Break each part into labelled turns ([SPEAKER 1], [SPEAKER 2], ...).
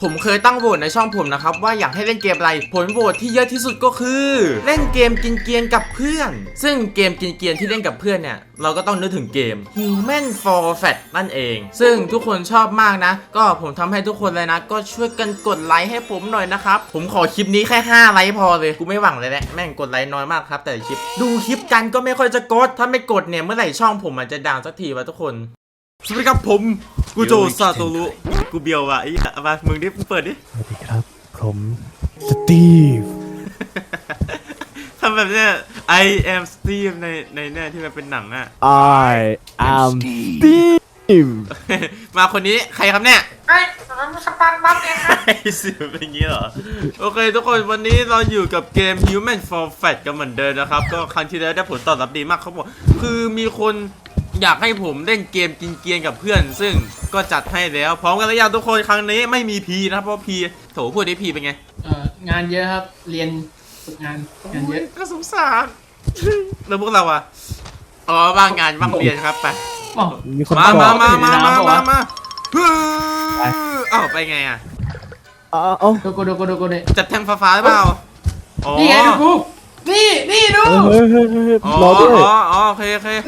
[SPEAKER 1] ผมเคยตั้งโหวตในช่องผมนะครับว่าอยากให้เล่นเกมอะไรผลโหวตที่เยอะที่สุดก็คือเล่นเกมกินเกียนกับเพื่อนซึ่งเกมกินเกียนที่เล่นกับเพื่อนเนี่ยเราก็ต้องนึกถึงเกม Human for Fat นั่นเองซึ่งทุกคนชอบมากนะก็ผมทำให้ทุกคนเลยนะก็ช่วยกันกดไลค์ให้ผมหน่อยนะครับผมขอคลิปนี้แค่5ไลค์พอเลยกูไม่หวังเลยแหละแม่งกดไลค์น้อยมากครับแต่คลิปดูคลิปกันก็ไม่ค่อยจะกดถ้าไม่กดเนี่ยเมื่อไหร่ช่องผมมันจะดังสักทีวะทุกคนสวัสดีครับผมกูโจซาโตรุกูเบียวว่ะไอ้มามึงดิเปิดดิ
[SPEAKER 2] สวัสดีครับผมสตีฟ
[SPEAKER 1] ทำแบบเนี้ย I am Steve ในเนี่ยที่มันเป็นหนังอะ
[SPEAKER 2] I am Steve
[SPEAKER 1] มาคนนี้ใครครับเนี่ย
[SPEAKER 3] ไอ้สปันบัฟเองครับ
[SPEAKER 1] ไอ้สิเป็นอย่างงี้เหรอโอเคทุกคนวันนี้เราอยู่กับเกม Human for Fat กันเหมือนเดิมนะครับก็ครั้งที่แล้วได้ผลตอบรับดีมากเขาบอกคือมีคนอยากให้ผมเล่นเกมกินเกียนกับเพื่อนซึ่งก็จัดให้แล้วพร้อมกันแล้วยังทุกคนครั้งนี้ไม่มีพีนะครับเพราะพีโถพูดได้พีเป็นไง
[SPEAKER 3] งานเยอะครับเรียนฝึกงานเยอะ
[SPEAKER 1] ก็สงสารแล้วพวกเราอะอ๋อว่างงานว่างเรียนครับไป
[SPEAKER 3] อ๋อ
[SPEAKER 2] มีคน
[SPEAKER 1] มา
[SPEAKER 2] บอก
[SPEAKER 1] มาอ้าวไปไงอะ
[SPEAKER 2] เอา
[SPEAKER 3] ดูกูดิ
[SPEAKER 1] จับแทงฟ้าหรือเปล่าอ๋อ
[SPEAKER 3] นี่ไงดูกูนี่ดู
[SPEAKER 2] เฮ้ย
[SPEAKER 1] อ๋อ
[SPEAKER 2] รอด้วย
[SPEAKER 1] อ๋อโอเค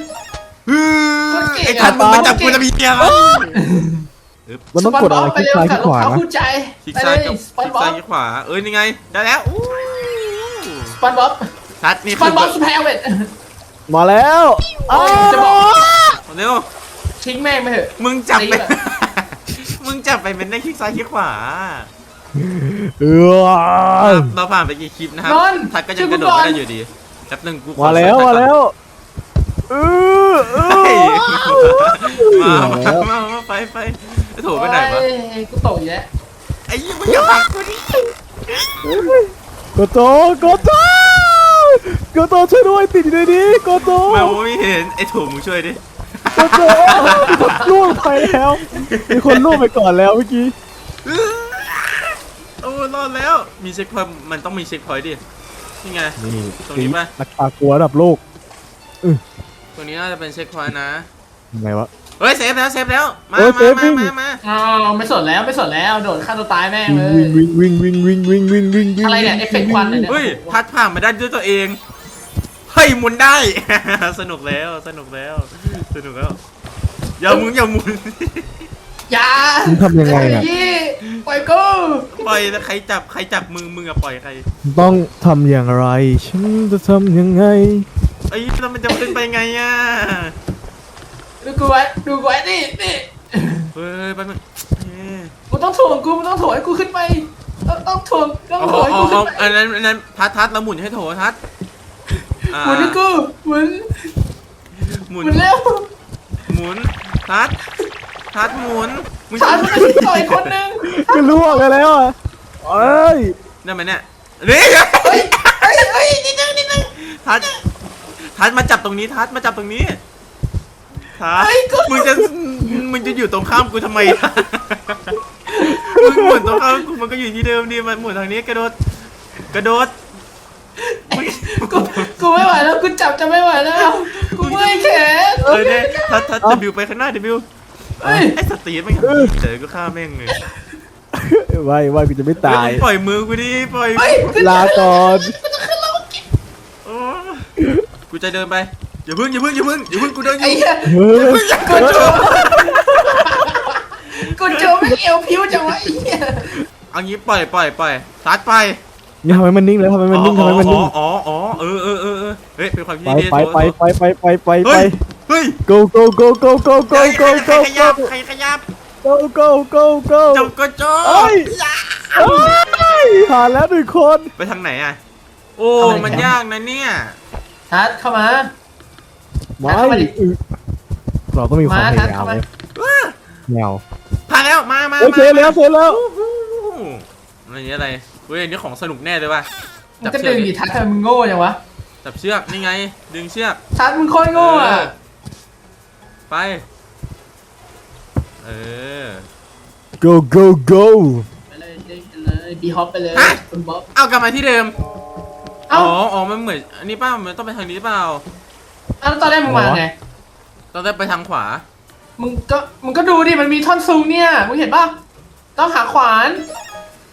[SPEAKER 1] ไอ้ทัดมึงมาจับกูจะมีเกียร์
[SPEAKER 2] มันต้องกดอะไรคลิกซ้ายคลิกขวา
[SPEAKER 3] เอา
[SPEAKER 2] นะ
[SPEAKER 3] คู่ใจ
[SPEAKER 1] คลิก
[SPEAKER 3] ไป
[SPEAKER 1] ซ้า
[SPEAKER 3] เลย ย
[SPEAKER 1] กับ
[SPEAKER 3] สปัน
[SPEAKER 1] คลิก
[SPEAKER 3] บ๊อ
[SPEAKER 1] ซ้าย
[SPEAKER 3] บ
[SPEAKER 1] คลิกขวานี่ไงได้แล้ว
[SPEAKER 3] สปันบ๊อบ
[SPEAKER 1] ทัดนี่
[SPEAKER 3] ส
[SPEAKER 1] คื
[SPEAKER 3] ปั
[SPEAKER 1] อน
[SPEAKER 3] บ๊อบสแพลเวต
[SPEAKER 2] มาแล้วอ้าว
[SPEAKER 3] จะบอก
[SPEAKER 1] เร็ว
[SPEAKER 3] ทิ้งแม่งไปเถอะ
[SPEAKER 1] มึงจับไปมึงจับไปเป็นได้คลิกซ้ายคลิกขวาเราผ่านไปกี่คลิปนะครับทัดก็ยังกระโดดไม่ได้อยู่ดีแป๊บนึงกู
[SPEAKER 2] มาแล้ว
[SPEAKER 1] มาไปโถไปไหนวะ
[SPEAKER 3] กูโตอยู่แล้ว
[SPEAKER 1] ไอ้ยี่มึงอย่าพักกูดิ
[SPEAKER 2] โกโตช่วยด้วยติดอยู่ในนี้โกโต
[SPEAKER 1] แมวไม่เห็นไอ้โถมึงช่วยดิ
[SPEAKER 2] โกโตล่วงไปแล้วมีคนล่วงไปก่อนแล้วเมื่อกี้
[SPEAKER 1] โอ้รอดแล้วมีเช็คพอยต์มันต้องมีเช็คพอยต์ดินี่ไง
[SPEAKER 2] นี่
[SPEAKER 1] ตรงนี้ป่ะ
[SPEAKER 2] นักปากลัวระดับโลก
[SPEAKER 1] ตรงนี้น่าจะเป็นเช็คพอยต์นะ
[SPEAKER 2] ยังไงวะ
[SPEAKER 1] เฮ้ยเซฟแล้วมา
[SPEAKER 3] อ๋อไม่สนแล้วโดดฆ่าตัวตายแม่งเลย
[SPEAKER 2] วิ่ง
[SPEAKER 3] อะไรเนี่ยเอฟเฟกต์ควันเนี่ย
[SPEAKER 1] เฮ้ยพัดผ่านมาได้ด้วยตัวเองเฮ้ยหมุนได้ สนุกแล้วอย่าหมุน
[SPEAKER 3] อย่า
[SPEAKER 2] มึงทำยังไงอ่ะ
[SPEAKER 3] ปล่อยกู
[SPEAKER 1] ปล่อยแล้วใครจับมึงอะปล่อยใคร
[SPEAKER 2] ต้องทำอย่างไรฉันจะทำยังไง
[SPEAKER 1] ไอ้แล้วมันจะขึ้นไปไงอะ
[SPEAKER 3] ดูกูไว้นี่
[SPEAKER 1] เฮ้ยไปมึง
[SPEAKER 3] กูต้องถ่วงให้กูขึ้นไปต้องถ่วงให้กูขึ้นไป
[SPEAKER 1] อันนั้นทัดแล้วหมุนให้โถทัด
[SPEAKER 3] หมุนให้กูหมุน
[SPEAKER 1] หมุน
[SPEAKER 3] เร็ว
[SPEAKER 1] หมุนทัดหมุนมึง
[SPEAKER 3] ชาร์จมันต่อยคนนึง
[SPEAKER 2] ก็ล่วงกันแล้วอ่ะเอ้ย
[SPEAKER 1] ได้ไหมเนี่ยนี่
[SPEAKER 3] เฮ้ยนิดนึง
[SPEAKER 1] ทัดมาจับตรงนี้ทัดมึงจะอยู่ตรงข้ามกูทำไมมึงหมุนตรงข้ามกูมันก็อยู่ที่เดิมดิมันหมุนทางนี้กระโดด
[SPEAKER 3] กูไม่ไหวแล้วกูจับจะไม่ไหวแล้วกูเมื่อยแขน
[SPEAKER 1] เนี่ยทัดบิวไปข้างหน้าบิวไอ้สตีนไม่เจอก็ฆ่าแม่งเลย
[SPEAKER 2] ว่ากูจะไม่ตาย
[SPEAKER 1] ปล่อยมือกูดิปล่อย
[SPEAKER 2] ลาก่อน
[SPEAKER 1] กูจะเดินไปอย่าพึ่งกูเดินอยู่
[SPEAKER 2] เฮ้ย
[SPEAKER 3] กูโจไม่เอวพิ้วจังวะไอ้เหี้ย
[SPEAKER 1] เอางี้ปล่อยทัดไป
[SPEAKER 2] นี่ทำไมมันนิ่งเลยทำไมมันนิ่งเฮ้ยเป็นความคิดดีไป
[SPEAKER 1] เฮ้ย
[SPEAKER 2] go
[SPEAKER 1] ใครขยับ
[SPEAKER 2] go
[SPEAKER 1] จบก็จบ
[SPEAKER 2] เอ้ยผ่านแล้วหนึ่งคน
[SPEAKER 1] ไปทางไหนอ่ะโอ้มันยากนะเนี่ย
[SPEAKER 3] ทัดเข้ามา
[SPEAKER 2] ไม่เราต้องมีความพยายามเลยแมว
[SPEAKER 1] ผ่านแล้วมา
[SPEAKER 2] เสร็จแล้ว
[SPEAKER 1] อะไรเว้ยนี่ของสนุกแน่เลยว่ะ
[SPEAKER 3] มันก็ดึงดิทัดทำไมมึงโง่จังวะ
[SPEAKER 1] จับเชือกนี่ไงดึงเชือก
[SPEAKER 3] ทัดมึงโคตรโง่อ่ะ
[SPEAKER 1] ไป
[SPEAKER 2] go
[SPEAKER 3] ไปเลยบีฮอปไปเลยคุณบ๊อบ
[SPEAKER 1] เอากลับมาที่เดิม
[SPEAKER 3] เอ้า
[SPEAKER 1] อ๋อมันเหมือนอันนี้ป้ามันต้องไปทางนี้เปล่า
[SPEAKER 3] แล้วตอนแรกมึงมาไง
[SPEAKER 1] ต้องได้ไปทางขวา
[SPEAKER 3] มึงก็ดูดิมันมีท่อนซุงเนี่ยมึงเห็นป่ะต้องหาขวาน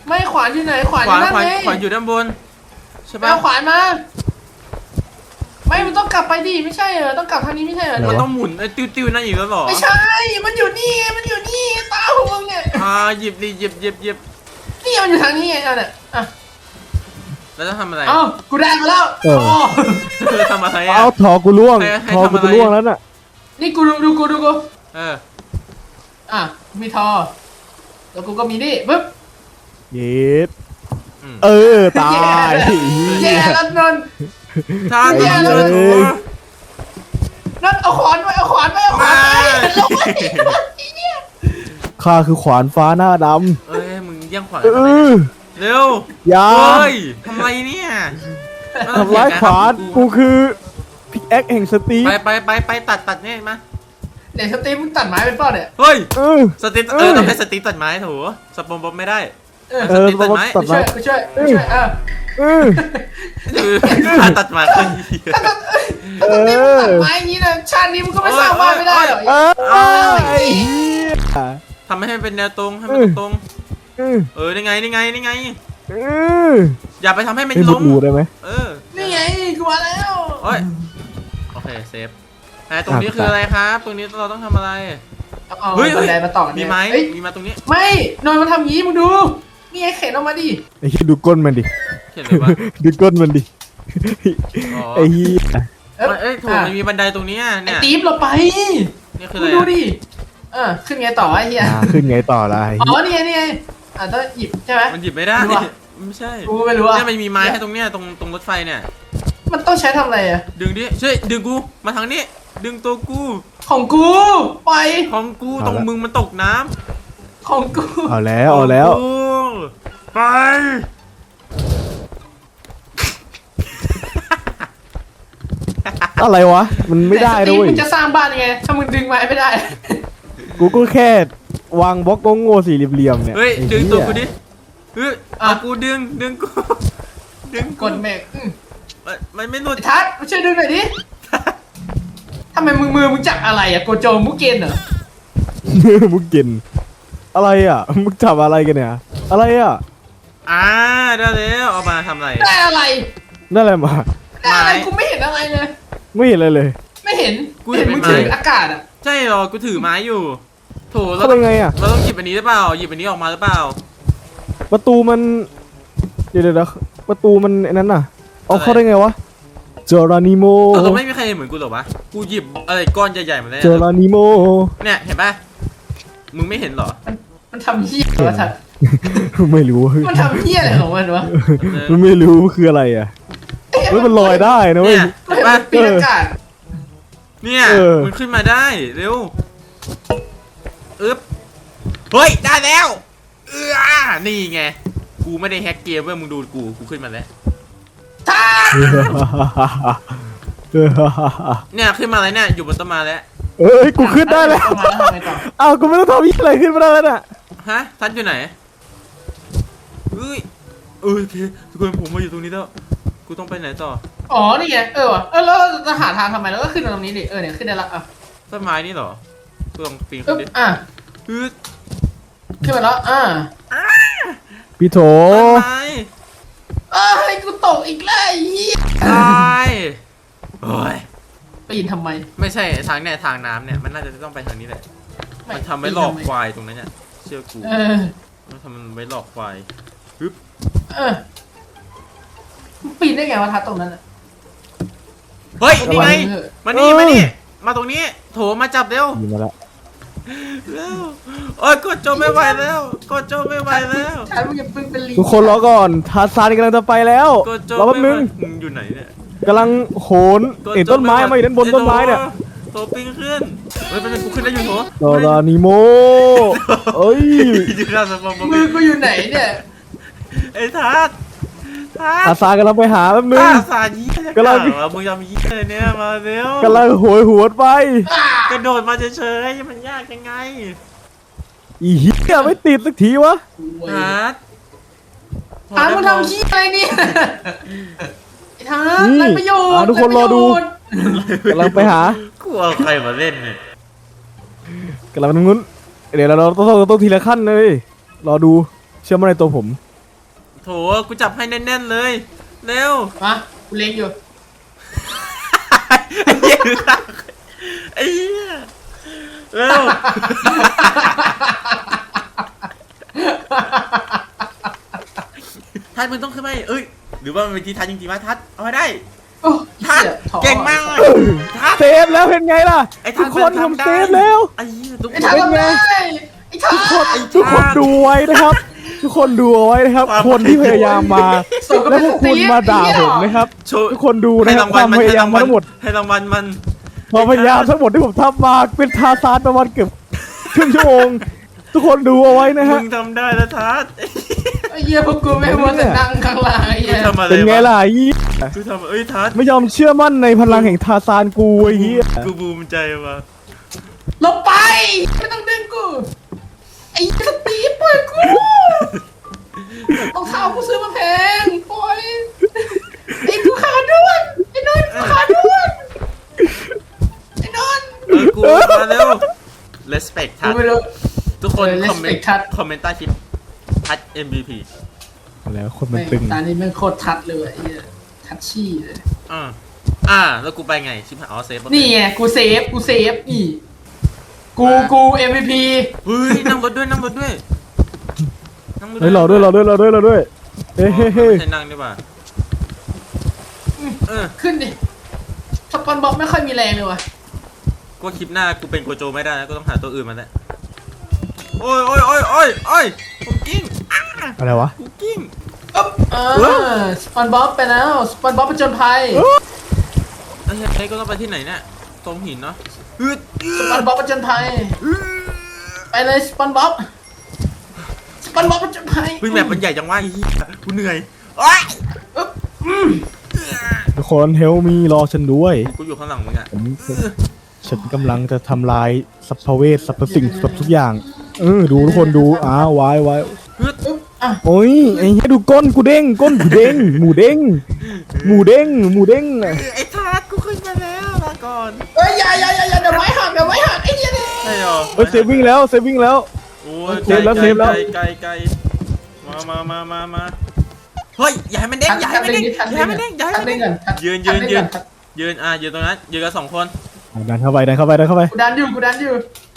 [SPEAKER 3] ไม่ขวานอยู่ไหนขวาน
[SPEAKER 1] ข
[SPEAKER 3] อ
[SPEAKER 1] วาน
[SPEAKER 3] ยู่นั่น
[SPEAKER 1] ขวาน
[SPEAKER 3] ไง
[SPEAKER 1] ขวานอยู่ด้านบนใช่
[SPEAKER 3] ไป
[SPEAKER 1] ปะ
[SPEAKER 3] เอาขวานมาไม่มันต้องกลับไปดิไม่ใช่เหรอต้องกลับทางนี้ไม่ใช่เหรอ
[SPEAKER 1] มันต้องหมุนไอ้ติ้วๆนั่นอีกแล้วเหรอ
[SPEAKER 3] ไม่ใช่ มันอยู่นี่มันอยู่นี่ตาของมึงเนี่ย
[SPEAKER 1] หยิบดิหยิบ
[SPEAKER 3] นี่มันอยู่ทางนี้ไงเอาเนี่ยอ่ะ
[SPEAKER 1] แล้วจะทำอะไร
[SPEAKER 3] เอ้ากูได้มาแล้ว
[SPEAKER 2] เออ
[SPEAKER 3] อ๋อ
[SPEAKER 1] จะทำอะไรอ่ะ
[SPEAKER 2] เอาถอกูล่วง
[SPEAKER 1] ให้
[SPEAKER 2] ถอกู
[SPEAKER 1] ทำอะไร
[SPEAKER 2] จะล่วงแล้วน่ะ
[SPEAKER 3] นี่กูดูกู
[SPEAKER 1] เออ
[SPEAKER 3] อ่ะมีทอแล้วกูก็มีนี่ปึ๊บ
[SPEAKER 2] เย็ด
[SPEAKER 1] อืม
[SPEAKER 2] เออตาย
[SPEAKER 3] แย่แล้วนนท์
[SPEAKER 1] ถ้า
[SPEAKER 2] ไอ้
[SPEAKER 1] ต้อง
[SPEAKER 2] เหี้
[SPEAKER 1] เจ
[SPEAKER 2] ย
[SPEAKER 1] อถู
[SPEAKER 3] นนท์เอาขวานไว้เอาขวานไว้เอาขวานไว้ลงไปเนี่ย
[SPEAKER 2] ข้าคือขวานฟ้าหน้าด
[SPEAKER 1] เอ้ยมึงแย่งขวาน
[SPEAKER 2] ำเอ
[SPEAKER 1] ทำไม
[SPEAKER 2] อ
[SPEAKER 1] เร็ว
[SPEAKER 2] อย่า
[SPEAKER 1] เฮ้ยทำไรเนี่ย
[SPEAKER 2] ทำร้ายขวานกูคือพิกแอคแห่งสตีฟ
[SPEAKER 1] ไปตัดเนี่ยมา
[SPEAKER 3] เดี๋ยวสตีฟมึงตัดไม้เป็นเปล่าเนี่ย
[SPEAKER 1] เฮ้ย
[SPEAKER 2] เออ
[SPEAKER 1] สติ๊ก
[SPEAKER 2] เออ
[SPEAKER 1] ต้องให้สติ๊กตัดไม้โถสปอมบอมไม่ได้
[SPEAKER 3] เออ
[SPEAKER 2] เออ
[SPEAKER 1] ตัดไม้
[SPEAKER 2] ตัด
[SPEAKER 3] ช่
[SPEAKER 2] ไม้
[SPEAKER 3] วยกูช่วยกูช่วยอ่ะ
[SPEAKER 2] เออ
[SPEAKER 1] คือการตัดไม้คนเดียว
[SPEAKER 3] ถ้าสตีฟมึงตัดไม้อย่างนี้นะชาตินี้มึงก็ไม่สร้างบ้านไม่ได้หรอก
[SPEAKER 2] เออไอ้เหี้ย
[SPEAKER 1] ทำให้มันเป็นแนวตรงให้มันตรง
[SPEAKER 2] เออ
[SPEAKER 1] นี่ไง
[SPEAKER 2] เออ
[SPEAKER 1] อย่าไปทำให้มัน
[SPEAKER 2] ไอ้บุ
[SPEAKER 1] ล้
[SPEAKER 2] ก
[SPEAKER 1] ม
[SPEAKER 2] อูได้ไหม
[SPEAKER 1] เออ
[SPEAKER 3] นี่ไงกูมาแล้ว
[SPEAKER 1] โอ้ยโอเคเซฟตรงนี้คืออะไรครับ ตรงนี้เราต้องทำอะไร
[SPEAKER 3] เอาบันไดมาต่อกัน
[SPEAKER 1] มี
[SPEAKER 3] เนี่ย
[SPEAKER 1] ไม้
[SPEAKER 3] เอ้ย
[SPEAKER 1] มีมาตรงนี้
[SPEAKER 3] ไม่นอนมาทำงี้มึงดู นี่ไงเข็นออกมาดิ
[SPEAKER 2] ไอ้เหี้ยดูก้นมันดิ
[SPEAKER 1] เขียนเลยว่า
[SPEAKER 2] ดูก้นมันดิ
[SPEAKER 1] อ๋อ
[SPEAKER 2] ไอ้เหี้ย
[SPEAKER 1] เอ้ยถูกมันมีบันไดตรงนี้
[SPEAKER 3] ไอ้
[SPEAKER 1] เนี่ย
[SPEAKER 3] ตีฟเราไป
[SPEAKER 1] นี่คือ
[SPEAKER 3] มึ
[SPEAKER 1] อะ
[SPEAKER 3] ง
[SPEAKER 1] ไร
[SPEAKER 3] ดูดิขึ้นไงต่อไอ้เหี้ย
[SPEAKER 2] ขึ้นไงต่อละไอ้
[SPEAKER 3] อ๋
[SPEAKER 2] เหี้
[SPEAKER 3] อย นี่ไงต้องหยิบใช่ไหม
[SPEAKER 1] มันหยิบไม่ได้
[SPEAKER 3] รู้ปะ
[SPEAKER 1] ไม่ใช่
[SPEAKER 3] กูไม่รู้อ่ะ
[SPEAKER 1] เนี่ยมันมีไม้ให้ตรงเนี้ยตรงรถไฟเนี่ย
[SPEAKER 3] มันต้องใช้ทำอะไรอ่ะ
[SPEAKER 1] ดึงดิช่วยดึงกูมาทางนี้ ดึงตัวกู
[SPEAKER 3] ของกูไป
[SPEAKER 1] ของกูตรงมึงมันตกน้ำ
[SPEAKER 3] ของกู
[SPEAKER 2] เอาแล้วเอาแล้ว
[SPEAKER 1] ของกูไป
[SPEAKER 2] อะไรวะ มันไม่ได้
[SPEAKER 3] แต่สตี
[SPEAKER 2] ด้
[SPEAKER 3] ฟ
[SPEAKER 2] วย
[SPEAKER 3] มึงจะสร้างบ้านยังไง ถ้ามึงดึงไม้ไม่ได้
[SPEAKER 2] กูก็แค่วางบล็อกโง่ๆสี่เหลี่ยมๆเนี่ย
[SPEAKER 1] เฮ้ย
[SPEAKER 2] ไอ้
[SPEAKER 1] ดึง
[SPEAKER 2] เหี้ย
[SPEAKER 1] ตัวกูดิเฮ้ย
[SPEAKER 3] อ่ะ
[SPEAKER 1] เอากูดึงกูดึง
[SPEAKER 3] กดเมก
[SPEAKER 1] มันไม่หลุด
[SPEAKER 3] ทัศน์มาช่วยดึงหน่อยดิทำไมมือมึงจับอะไรอ่ะโกโจมุกเกนเหรอ
[SPEAKER 2] มึงกินอะไรอ่ะมึงจับอะไรกันเนี่ยอะไรอ่ะ
[SPEAKER 1] ได้แล้วเอามาทำอะไร
[SPEAKER 3] ได้อะไร
[SPEAKER 2] นั่นอะไรมา
[SPEAKER 3] ได้อะไร
[SPEAKER 1] ไม้
[SPEAKER 3] กูไม่เห็นอะไรเลย
[SPEAKER 2] ไม่เห็นอะไรเลย
[SPEAKER 3] ไม่เห็น
[SPEAKER 1] กูเห็น
[SPEAKER 3] มึง
[SPEAKER 1] ไม้
[SPEAKER 3] ถืออากาศอ่ะ
[SPEAKER 1] ใช่เหรอกูถือไม้อยู่โถเรา
[SPEAKER 2] เข้าไปไงอ่ะ
[SPEAKER 1] เราต้องหยิบอันนี้หรือเปล่าหยิบอันนี้ออกมาหรือเปล่า
[SPEAKER 2] ประตูมันเดี๋ยวประตูมันไอ้นั้นน่ะเอาเข้าได้ไงวะเจอรานิโม
[SPEAKER 1] เราไม่มีใครเห็นเหมือนกูหรอวะกูหยิบอะไรก้อนใหญ่ๆมาเลย
[SPEAKER 2] เจอรานิโม
[SPEAKER 1] เนี่ยเห็นป่ะมึงไม่เห็นเหรอ
[SPEAKER 3] มันทำเหี้ยอะไรวะทัศน์
[SPEAKER 2] ไม่รู้
[SPEAKER 3] มันทำเหี้ยอะไรของมันวะ
[SPEAKER 2] มันไม่รู้คืออะไรอ่ะเฮ้ยมันลอยได้นะเว้ย
[SPEAKER 1] เนี่ย
[SPEAKER 3] ไม่
[SPEAKER 1] เห็น
[SPEAKER 3] เห็น
[SPEAKER 1] ป่ะ
[SPEAKER 3] มันปีนอากาศ
[SPEAKER 1] เนี่ย
[SPEAKER 2] เออ
[SPEAKER 1] มันขึ้นมาได้เร็วอึ๊บเฮ้ยได้แล้วนี่ไงกูไม่ได้แฮกเกมเว้ยมึงดูกูขึ้นมาแล้ว
[SPEAKER 3] ทัศน์
[SPEAKER 1] เนี่ยขึ้นมาแล้วเนี่ยอยู่บนต้นไม้แล้ว
[SPEAKER 2] เอ้ยกูขึ้นได้แล้ว
[SPEAKER 3] เอามาแล้วทำไงต่อ
[SPEAKER 2] อ้าวกูไม่ต้องทำยี่อะไรขึ้นมาได้แล้วน่ะ
[SPEAKER 1] ฮะทันอยู่ไหนเฮ้ยโอเคทุกคนผมมาอยู่ตรงนี้แล้วกูต้องไปไหนต่อ
[SPEAKER 3] อ๋อนี่ไงว่ะแล้วเราจะหาทางทำไมแล้วก็ขึ้นมาตรงนี้ดิเนี่ยขึ้นได้ละอ่ะ
[SPEAKER 1] ต้นไม้นี่เหรอกูลองปีน
[SPEAKER 3] อึ๊
[SPEAKER 1] ขึ้น
[SPEAKER 3] บ
[SPEAKER 1] ดิ
[SPEAKER 3] อ่ะ
[SPEAKER 1] ฮึด
[SPEAKER 3] ขึ้นมาแล้ว
[SPEAKER 2] พี่โถ
[SPEAKER 1] ต้นไม้
[SPEAKER 3] ให้กูตกอีกแล้วไอ้เหี้ย
[SPEAKER 1] ตายโอ้ย
[SPEAKER 3] ปีนทำไม
[SPEAKER 1] ไม่ใช่ทางเนี่ยทางน้ำเนี่ยมันน่าจะต้องไปทางนี้แหละมันทำไว้หลอกควายตรงนั้นเนี่ยเชื่อกู มันทำมันไว้หลอกควายฮึบ
[SPEAKER 3] ปีนได้ไงวะทัศน์ตรงนั้นอะ
[SPEAKER 1] เฮ้ยนี่ไง
[SPEAKER 3] เออ
[SPEAKER 1] มานี่มานี่มาตรงนี้โถมาจับเร็ว
[SPEAKER 2] ยิงมาแล้ว
[SPEAKER 1] เร็วโอ้ยกดโจไม่ไหวแล้วกดโจไม่ไหวแล้ว
[SPEAKER 3] ทัศน์มึงอย่าเพิ่งเป็นลิง
[SPEAKER 2] ทุกคนรอก่อนทาซานกำลังจะไปแล้ว
[SPEAKER 1] กดโจ
[SPEAKER 2] รอแป๊บ
[SPEAKER 1] ไม่
[SPEAKER 2] นึ
[SPEAKER 1] ไหว
[SPEAKER 2] ง
[SPEAKER 1] มึงอยู่ไหนเนี่ย
[SPEAKER 2] กำลังโหน
[SPEAKER 1] กด
[SPEAKER 2] เห็น
[SPEAKER 1] โจ
[SPEAKER 2] ต้นไม้
[SPEAKER 1] หว
[SPEAKER 2] มาอยู่ด้านบนต้นไม้เนี่ย
[SPEAKER 1] โถปิงขึ้นเฮ้ยเป็นกูขึ้นได้อยู่โถ
[SPEAKER 2] โดรานิโมเอ้ย
[SPEAKER 1] อยู่หน้าสมอง
[SPEAKER 3] มือกูอยู่ไหนเนี่ย
[SPEAKER 1] ไอ้ทัศน์ทัศ
[SPEAKER 2] ทา
[SPEAKER 1] น์
[SPEAKER 2] ซานกำลังไปหาแป๊บนึง
[SPEAKER 1] ตาสายี่จะ
[SPEAKER 2] กำลัง
[SPEAKER 1] มึงยอมยี่เลยเนี่ยมาเร็ว
[SPEAKER 2] กำลังโหยหวนไป
[SPEAKER 1] กระโดดมาเฉยๆมันยากยังไง
[SPEAKER 2] อีเหี้ยไม่ติดสักทีวะ
[SPEAKER 1] ทัศน์
[SPEAKER 3] ทัศน์มึงทำขี้อะไรเนี่ยไอ้ทัศน์
[SPEAKER 2] นี่
[SPEAKER 3] ไรประโยชน์
[SPEAKER 2] ทุกคนรอดูกำลังไปหา
[SPEAKER 1] กูเอาใครมาเล่นเนี่ย
[SPEAKER 2] กำลังไปตรงนู้นเดี๋ยวเราต้องทีละขั้นเลยรอดูเชื่อมั่นในตัวผม
[SPEAKER 1] โถกูจับให้แน่นๆเลยเร็ว
[SPEAKER 3] มากูเล็งอยู่
[SPEAKER 1] ไอ้เหี้ยไอ้เหี้ยเร็วทัดมึงต้องขึ้นไปเอ้ยหรือว่ามันเป็นที่ทัดจริงๆวะทัดเอาไปได้
[SPEAKER 3] โอ้
[SPEAKER 1] ทัด
[SPEAKER 3] เหี้ยท้อ
[SPEAKER 1] เก่งมากเลยทัด
[SPEAKER 2] เซฟแล้วเป็นไงล่ะ
[SPEAKER 1] ไอ้
[SPEAKER 2] ทุ
[SPEAKER 1] ทั
[SPEAKER 2] ก
[SPEAKER 1] ด
[SPEAKER 2] คนผมเซฟแล้ว
[SPEAKER 1] ไอ้เหี้ยทุก
[SPEAKER 3] ไอ้
[SPEAKER 1] ค
[SPEAKER 3] ทัด
[SPEAKER 1] น
[SPEAKER 3] ทำได้ไอ้ทัด
[SPEAKER 2] ทุกคนดูไว้นะครับ ทุกคนดูเอาไว้นะครับ คนที่พยายามมา
[SPEAKER 3] ส่งก็
[SPEAKER 2] แล้ว
[SPEAKER 3] เป็น
[SPEAKER 2] พวกคุณมาด่าผมนะครับ
[SPEAKER 1] โชว์
[SPEAKER 2] ทุกคนดูนะ
[SPEAKER 1] ให้
[SPEAKER 2] ครั
[SPEAKER 1] รา
[SPEAKER 2] บ
[SPEAKER 1] ง
[SPEAKER 2] ค
[SPEAKER 1] วัล
[SPEAKER 2] วาม
[SPEAKER 1] มัน
[SPEAKER 2] พ
[SPEAKER 1] ให้
[SPEAKER 2] ยายาร
[SPEAKER 1] าม ง
[SPEAKER 2] มา
[SPEAKER 1] วัล
[SPEAKER 2] ทั้งหมด
[SPEAKER 1] ให้รางวัลมัน
[SPEAKER 2] ความพยายามทั้งหมดที่ผมทำมาเป็นทาซานประมาณเกือบครึ่งชั่วโมง ทุกคนดูเอาไว้นะฮะ
[SPEAKER 1] มึงทำได้แล้วทัด
[SPEAKER 3] ไอ้เหี้ยพวกกูไม่มัวแต่นั่งข้างล่างไอ้
[SPEAKER 1] กู
[SPEAKER 3] เหี้ย
[SPEAKER 1] ทำอะไร
[SPEAKER 2] เป็นไง
[SPEAKER 1] วะ
[SPEAKER 2] ล่ะไอ้เหี้ย
[SPEAKER 1] กูทำเอ้ยทัด
[SPEAKER 2] ไม่ยอมเชื่อมั่นในพลังแห่งทาซานกูไอ้เหี้ย
[SPEAKER 1] กูภูมิใจว่ะ
[SPEAKER 3] ลงไปไม่ต้องดึงกูไอ้สตีฟปล่อยกูรองเท้ากูซื้อมาแพงปล่อยไอ้กูขาด้วนไอ้นนท์กูขาด้วนไอ้นนท์
[SPEAKER 1] กูมาเร็ว respect ทั
[SPEAKER 3] กู
[SPEAKER 1] ด
[SPEAKER 3] ไม่รู้
[SPEAKER 1] ทุกคน
[SPEAKER 3] respect
[SPEAKER 1] คอมเมนต์
[SPEAKER 3] ทัด
[SPEAKER 1] คอมเมนต์ใต้คลิปทัด MVP
[SPEAKER 2] แล้วคนมันตึง
[SPEAKER 3] ตอนนี้แม่งโคตรทัดเลยไอ้เหี้ยทัดชี่เลย
[SPEAKER 1] แล้วกูไปไงชิบหายอ๋อเซฟ
[SPEAKER 3] นี่ไงกูเซฟนี่กู MVP
[SPEAKER 1] เฮ้ยนั่งรถด้วยนั่งรถด้วยนั่งรถ
[SPEAKER 2] เฮ้ยรอด้วยเฮ้ยเฮ้ยเฮ้ย
[SPEAKER 1] ไม่ใช่นั่งดีกว่าเออ
[SPEAKER 3] ขึ้นดิสปอนบ็อกไม่ค่อยมีแรงเลยว่ะ
[SPEAKER 1] ก็คลิปหน้ากูเป็นโกโจไม่ได้นะก็ต้องหาตัวอื่นมาแล้วโอ้ยผมกิ้ง
[SPEAKER 2] อะไรวะ
[SPEAKER 1] กูกิ้ง
[SPEAKER 3] สปอนบ็อกไปแล้วสปอนบ็อกไปจนภัย
[SPEAKER 1] ไอ้ก็ต้องไปที่ไหนเนี่ยตรงหินเนาะ
[SPEAKER 3] สปอนบ็อกไปจนภัยไปเลยสปอนบ็อกไปจนภัย
[SPEAKER 1] เฮ้ยแมปมันใหญ่จังวะไอ้เหี้ยกูเหนื่อยอ้าย
[SPEAKER 2] ทุกคนเฮลมีรอฉันด้วย
[SPEAKER 1] กูอยู่ข้างหลังมึงอะ
[SPEAKER 2] ฉันกำลังจะทำลายสัพเพเวทสรรพสิ่งสรรพทุกอย่างดูทุกคนดูไว้ โอ้ยไอ้เหี้ยดูก้นกูเด้งก้นกูเด้งหมูเด้ง
[SPEAKER 1] ไอ้ทาสกูขึ้นมาแล้วลาก่อน
[SPEAKER 3] เอ้ยอย่าเดี๋ยวไม้หักไอ้เหี้ยเนี่ย
[SPEAKER 1] ใช่หรอ
[SPEAKER 2] เฮ้ยเซฟวิ่งแล้ว
[SPEAKER 1] โอ้ย
[SPEAKER 2] เซฟแล้ว
[SPEAKER 1] ไกลมาเฮ้ยอย่าให้มันเด้งอย่าให้มันเด้งยืนยืนตรงนั้นยืนกัน2 คน
[SPEAKER 2] ดันเข้าไป
[SPEAKER 3] กูดันอยู่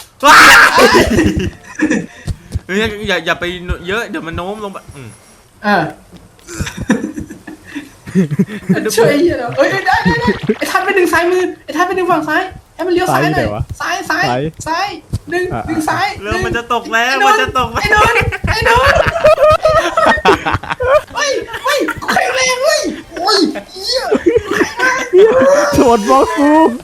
[SPEAKER 1] เฮ้ยอย่าไปเยอะเดี๋ยวมันโน้มลงไป
[SPEAKER 3] ช่วยเหี้ยเนาะเอ้ยได้ไอ้ทัดไปดึงซ้ายมือไอ้ทัดไปดึงฝั่งซ้ายให้มันเลี้ยวซ้ายหน่อยซ้ายดึงซ้าย
[SPEAKER 1] เรื่องมันจะตกแล้วมันจะตก
[SPEAKER 3] ไอ้นนท์ไม่กูแข็งแรงเว้ยโอ้ยเหี้ย
[SPEAKER 2] ชนบล็อกกู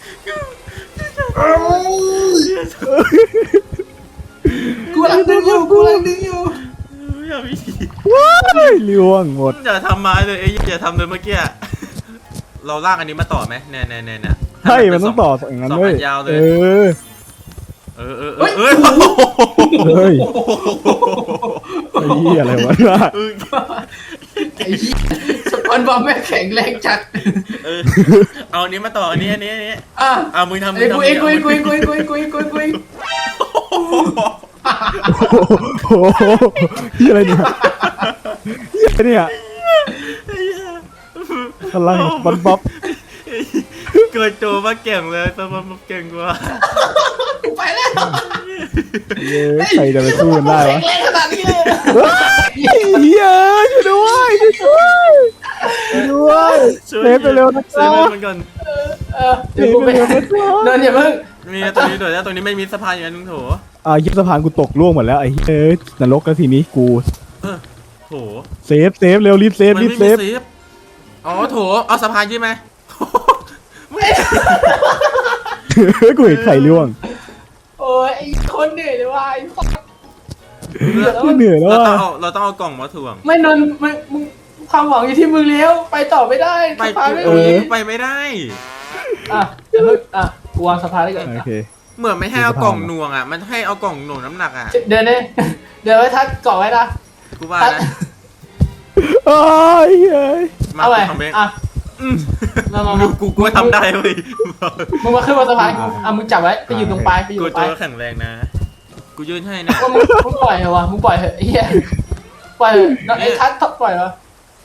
[SPEAKER 3] กูกำลังดึงอยู่
[SPEAKER 1] อย่าพี่
[SPEAKER 2] ว้ายล่วงหมด
[SPEAKER 1] อย่าทำมาเลยอย่าทำเลยเมื่อกี้เราลากอันนี้มาต่อไหมเนี่ย
[SPEAKER 2] ใช่มันต้องต่ออย่างนั้นด้วย
[SPEAKER 1] ยาวเลย
[SPEAKER 2] เฮ้ยไอ้เหี้ยอะไรวะ
[SPEAKER 3] ไอ้เหี้ยสปอนบอลแม่งแข็งแรงจัด
[SPEAKER 1] เอาอันนี้มาต่ออันนี้มึงทำ
[SPEAKER 3] ไอ้กูเอง
[SPEAKER 2] โอ้โหเหี้ยอะไรเนี่ยพลังบอลบ๊อบ
[SPEAKER 1] เกิดโจมาเก่งเลยตัวมันเก่งกว่า
[SPEAKER 3] กูไปแล้ว
[SPEAKER 2] ใครจะไปสู้มันได้วะ
[SPEAKER 3] แข็งแรงขนาดนี้เลย
[SPEAKER 2] เหี้ยช่วยด้วยเซฟไปเร็วนะ
[SPEAKER 1] เซ
[SPEAKER 2] จ๊ะ
[SPEAKER 1] ฟมันก่อน
[SPEAKER 3] เดี๋ยวกูไปเดินอย่าเพิ่ง
[SPEAKER 1] มีตรงนี้ด้วยตรงนี้ไม่มีสะพานอย่างนั้นมึงโถ
[SPEAKER 2] ยิบสะพานกูตกล่วงหมดแล้วไอ้เฮ้ยนรกแล้วทีนี้กู
[SPEAKER 1] โถ
[SPEAKER 2] เซฟเร็วรีบเซฟ
[SPEAKER 1] อ๋อโถเอาสะพานใช่ไหม
[SPEAKER 2] กูเห็นไข่ล่วง
[SPEAKER 3] โอ้ยไอ้คนเหนื่อยเลยว่ะไอ้สัส
[SPEAKER 2] กูเหนื่อยแล้ว
[SPEAKER 1] เราต้องเอากล่องมาถ่วง
[SPEAKER 3] ไม่นนมึงความหวังอยู่ที่มึงเลี้ยวไปต่อไม่ได้
[SPEAKER 1] ไป
[SPEAKER 3] สะพานไม่
[SPEAKER 1] ไปไม่ได้
[SPEAKER 3] อย่าเพิ่งกูวางสะพานได้ก่อน
[SPEAKER 2] โอเค
[SPEAKER 1] เหมือนไม่ให้เอากล่องหน่วงมันให้เอากล่องหน่วงน้ำหนัก
[SPEAKER 3] เดินเลยเดี๋ยวไว้ทัดเกาะไว้นะ
[SPEAKER 1] กูว่านะ
[SPEAKER 2] เฮ้ย
[SPEAKER 3] เอาไป
[SPEAKER 1] กูทำได้เว้ย
[SPEAKER 3] มึงมาขึ้นบนสะพานมึงจับไว้ไปอยู่ตรงปลายไปอยู่
[SPEAKER 1] กู
[SPEAKER 3] ตรงป
[SPEAKER 1] ตั
[SPEAKER 3] ลายว
[SPEAKER 1] แข็งแรงนะกูยืนให้นะ
[SPEAKER 3] มึงปล่อยเหรอวะมึงปล่อยเหอะเฮียปปล่อยไอ้ทัศน์ปล่อยวะ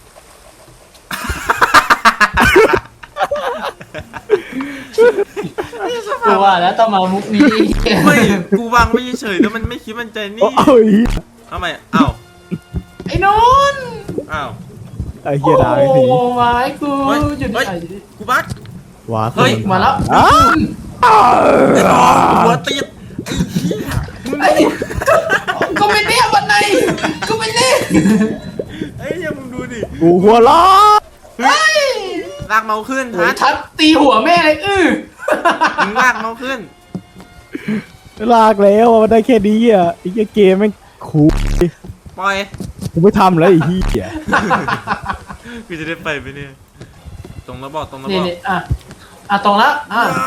[SPEAKER 3] กูว่าแล้วต้องมามุกนี้
[SPEAKER 1] ไม่กูวางไม่เฉยแล้วมันไม่คิดมันใจนี่
[SPEAKER 2] โอ้ย
[SPEAKER 1] ทำไมอ้าว
[SPEAKER 3] ไอ้นนท์
[SPEAKER 1] อ้าว
[SPEAKER 2] ไอ้เหี้ยได้สิ
[SPEAKER 3] โอ้ไม้กู
[SPEAKER 1] เฮ้ย
[SPEAKER 3] หยุด
[SPEAKER 1] เฮ้ย
[SPEAKER 3] ไหน
[SPEAKER 1] กูบัก
[SPEAKER 2] ว้า
[SPEAKER 1] เฮ้ย
[SPEAKER 3] มาแล้ว
[SPEAKER 2] อ้า
[SPEAKER 1] ไอ้น้องหัวติดไอ้เหี้ยมึง
[SPEAKER 3] ไอ้ก็ไม่เนี่ยวันไหนก็ไม่เนี่ย
[SPEAKER 1] ไอ้เหี้ยมึงดูดิ
[SPEAKER 2] กูหัวล้อ
[SPEAKER 3] เฮ้ย
[SPEAKER 1] ลากเมาส์ขึ้น
[SPEAKER 3] โอ้ย
[SPEAKER 1] ทั
[SPEAKER 3] ทั
[SPEAKER 1] ด
[SPEAKER 3] ดตีหัวแม่เลย
[SPEAKER 1] มึงลากเมาส์ขึ้น
[SPEAKER 2] ลากแล้วอะมันได้แค่นี้อ่ะไอ้เหี้ยเกมแม่งคูล
[SPEAKER 1] ปล่อย
[SPEAKER 2] กูไม่ทำแล้วไอ้เหี้ย
[SPEAKER 1] กูจะได้ไปไหมเนี่ยตรงระบอกตรงระบ
[SPEAKER 3] นี่
[SPEAKER 1] อก
[SPEAKER 3] นี่ตรงละ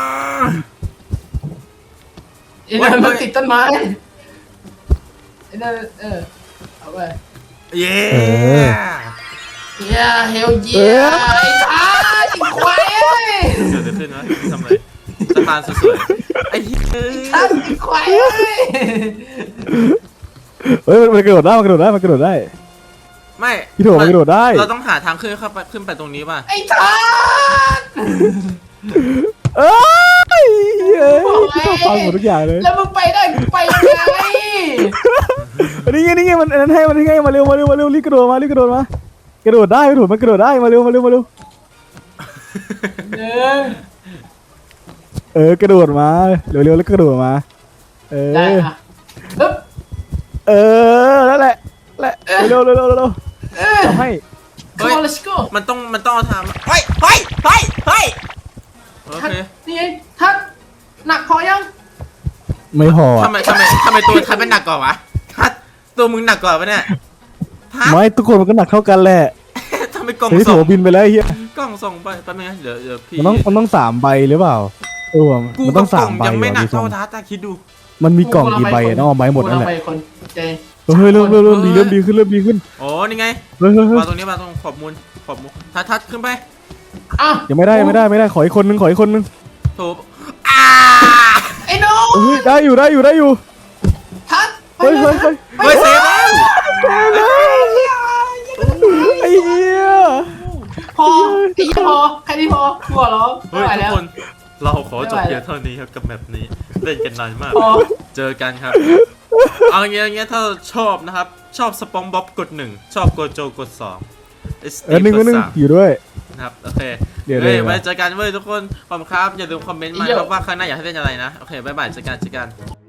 [SPEAKER 3] ไอ้นั่นมันติดต้นไม้ไอ้นั่นเอาไป
[SPEAKER 1] เย้
[SPEAKER 3] เฮลเยียไอ้ท้าไอ้ควายเอ้ย
[SPEAKER 1] เดี๋ยวขึ้นวะทำอะไรสะพานสวยๆไอ้เหี้ย
[SPEAKER 3] ท้าไอ้ควายเอ้ย
[SPEAKER 2] เฮ้ยมันกระโดดได้มันกระโดดได้มันกระโดดได้
[SPEAKER 1] ไม่
[SPEAKER 2] พี่โถมันกระโดดได้
[SPEAKER 1] เราต้องหาทางขึ้นไปตรงนี้ป่ะ
[SPEAKER 3] ไอ้ท้า
[SPEAKER 2] เอ้ยเฮ้ยฟังหมดทุกอย่างเลย
[SPEAKER 3] แล้วมึงไปได้กูไปยังไง
[SPEAKER 2] นี่ไงมันอันนั้นให้มันให้มาเร็วรีบกระโดดมากระโดดได้ไม่ถูกมันกระโดดได้มาเร็ว
[SPEAKER 3] หนึ่ง
[SPEAKER 2] กระโดดมาเร็วแล้วกระโดดมา
[SPEAKER 3] ได้ปึ๊บ
[SPEAKER 2] นั่นแหละเร็วทำให้
[SPEAKER 3] come on let's go
[SPEAKER 1] มันต้องเอาทางเฮ้ยโอเค
[SPEAKER 3] นี่ไงทัดหนักพอยัง
[SPEAKER 2] ไม่พอ
[SPEAKER 1] ทำไมตัวทัดเป็นหนักกว่าวะทัดตัวมึงหนักกว่าปะเนี่ยทัด
[SPEAKER 2] ไม่ทุกคนมันก็หนักเท่ากันแหละ
[SPEAKER 1] ทำไมกล่อง
[SPEAKER 2] ไอ้โถ
[SPEAKER 1] ส่ง
[SPEAKER 2] บินไปแล้วเฮีย
[SPEAKER 1] กล่องส่งไปแป๊บนึงนะเดี๋ยวพี่
[SPEAKER 2] มันต้อง3 ใบหรือเปล่า
[SPEAKER 1] กู
[SPEAKER 2] มัน
[SPEAKER 1] กั
[SPEAKER 2] ต้
[SPEAKER 1] บ
[SPEAKER 2] อง
[SPEAKER 1] กล่อง
[SPEAKER 2] 3 ใบ
[SPEAKER 1] ยังไม่หนัก
[SPEAKER 2] ดูทร
[SPEAKER 1] เท่าง ทัดแต่คิดดู
[SPEAKER 2] มันมีกล่องกี่ใบต้องเอาใบหมดนั่นแหละ
[SPEAKER 3] กูเอาไปคนใจ
[SPEAKER 2] เฮ้ยเริ่มดีขึ้น
[SPEAKER 1] โอ้นี่ไง
[SPEAKER 2] เฮ้ย
[SPEAKER 1] มาตรงนี้มาตรงขอบมูลทัดขึ้นไป
[SPEAKER 3] อ้าว
[SPEAKER 2] ยังไม่ได้ขออีกคนนึง
[SPEAKER 1] โถอ้า
[SPEAKER 3] ไอ้น้อง
[SPEAKER 2] เฮ้ยได้อยู่
[SPEAKER 3] ทัด
[SPEAKER 2] เฮ้ย
[SPEAKER 1] เฮ้ยเซฟแล้ว
[SPEAKER 2] ไอ้เหี้ย
[SPEAKER 3] พอไอ้ยี่พอแค่นี้พอกูขอร้อง
[SPEAKER 1] เฮ้
[SPEAKER 3] ไม่
[SPEAKER 1] ย
[SPEAKER 3] ไหว
[SPEAKER 1] ทุก
[SPEAKER 3] แล้ว
[SPEAKER 1] คนเราขอจบเพียงเท่านี้ครับกับแมปนี้เล่นกันนานมาก
[SPEAKER 3] พอ
[SPEAKER 1] เจอกันครับ เอาอย่างเงี้ยถ้าชอบนะครับ ชอบสปองบ๊อบกด 1 ชอบโกโจกด 2
[SPEAKER 2] นึงอยู่ด้วย
[SPEAKER 1] นะครับ โอเค
[SPEAKER 2] เดี๋ยว
[SPEAKER 1] ไว้เจอกันเว้ยทุกคนขอบคุณครับ อย่าลืมคอมเมนต์มาครับว่าข้างหน้าอยากให้เล่นอะไรนะ โอเค บ๊ายบาย เจอกัน